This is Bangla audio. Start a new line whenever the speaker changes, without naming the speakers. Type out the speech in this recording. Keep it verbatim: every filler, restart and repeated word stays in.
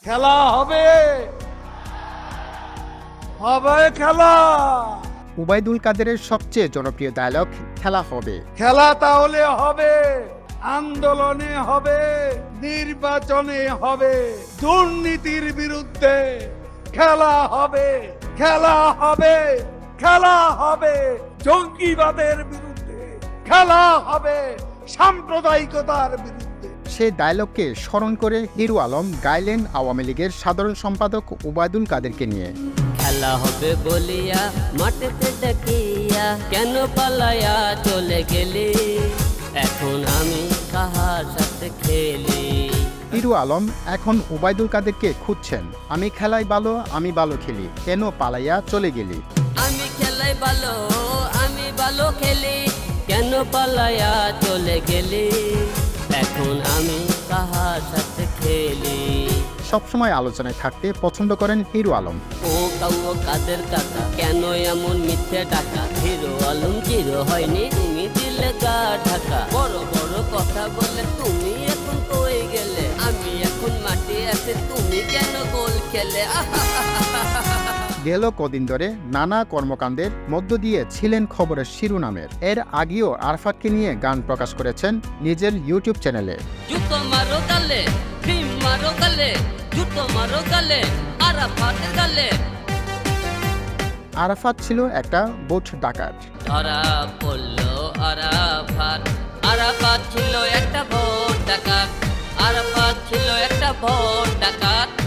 খেলা হবে, হবে খেলা।
উবাইদুল কাদেরের সবচেয়ে জনপ্রিয় ডায়লগ খেলা হবে।
খেলা তাহলে হবে, আন্দোলনে হবে, নির্বাচনে হবে, দুর্নীতির বিরুদ্ধে খেলা হবে, খেলা হবে, খেলা হবে, জঙ্গিবাদের বিরুদ্ধে খেলা হবে, সাম্প্রদায়িকতার বিরুদ্ধে।
সেই ডায়লগকে স্মরণ করে হিরো আলম গাইলেন আওয়ামী লীগের সাধারণ সম্পাদক উবাইদুল কাদেরকে নিয়ে।
খেলা হবে বলিয়া মাঠেতে দেখিয়া কেন পালায়া চলে গেলি, এখন আমি কাহার সাথে খেলি।
হিরো আলম এখন উবাইদুল কাদেরকে খুঁজছেন। আমি খেলাই ভালো, আমি ভালো খেলি, কেন পালাইয়া চলে গেলি।
আমি খেলাই ভালো, আমি ভালো খেলি, কেন পালায়া চলে গেলি, এখন আমি কাহার সাথে খেলি।
সবসময় আলোচনায় থাকতে পছন্দ করেন হিরো আলম।
ও কাউ কাদের কাকা কেন এমন মিথ্যে টাকা, হিরো আলম চির হয়নি তুমি দিলে গা ঢাকা। বড় বড় কথা বলে তুমি এখন কই গেলে, আমি এখন মাটি আছে তুমি কেন গোল খেলে।
গেল কদিন ধরে নানা কর্মকাণ্ডের মধ্য দিয়ে ছিলেন খবরের শিরোনামের। এর আগেও আরাফাতকে নিয়ে গান প্রকাশ করেছেন নিজের ইউটিউব চ্যানেলে।
জুতো মারো গালে, ভীম মারো গালে, জুতো মারো গালে, আরাফাতের গালে।
আরাফাত ছিল একটা বোট ডাকাত।
ধরা পড়লো আরাফাত, আরাফাত ছিল একটা ভোট ডাকাত, আরাফাত ছিল একটা ভোট ডাকাত।